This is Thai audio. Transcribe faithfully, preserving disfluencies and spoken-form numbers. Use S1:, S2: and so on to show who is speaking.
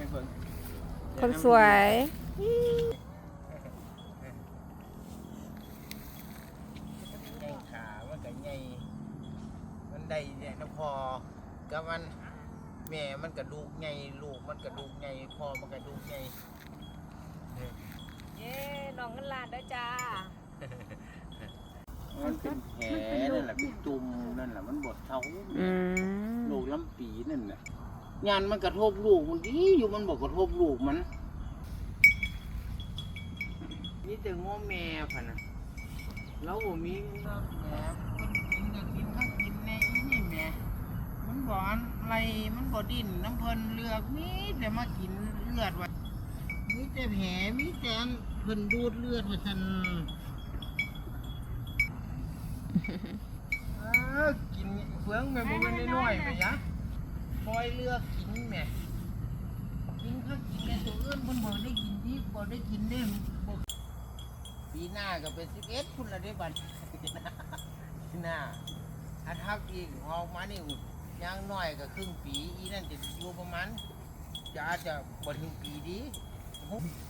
S1: เพิ่ง
S2: คนสวย
S1: ใหญ่ขามันก็ใหญ่มันได้เนี่ยนะพอกับมันแม่มันกระดูกใหญ่ลูกมันกระดูกใหญ่พ่อมันกระดูกใหญ่
S2: เย้น้องเงินล้านด้วยจ้า
S1: มันเป็นแผลนั่นแหละเป็นตุ่มนั่นแหละมันบดเท้าลูกลำปีนั่นแหละงานมันกระทบลูกมันดีอยู่มันบอกกระทบลูกมันนี่แต่ง้อแม่ผ่ะนะเราบ่มีแม่คนกินก็กินถ้ากินในอีนี่แม่มันบ่อนไรมันบ่ดิ้นน้ำเพลินเลือกมีแต่มากินเลือดว่ะมีแต่แผลมีแต่เพิ่นดูดเลือดว่าฉันกินเฟืองแม่บ่เป็นน้อยๆไปยะคอยเลือกกินแม่กินข้าวกินในตัวอื่นเพิ่นบ่ได้กินที่บ่ได้กินได้ปีหน้าก็เป็นสิบเอ็ดพุ่นละได้บัดปีหน้าถ้าทักอีกออกมานี่ยังน้อยก็ครึ่งปีอีนั่นจะอยู่ประมาณจะอาจจะบ่ถึงปีดี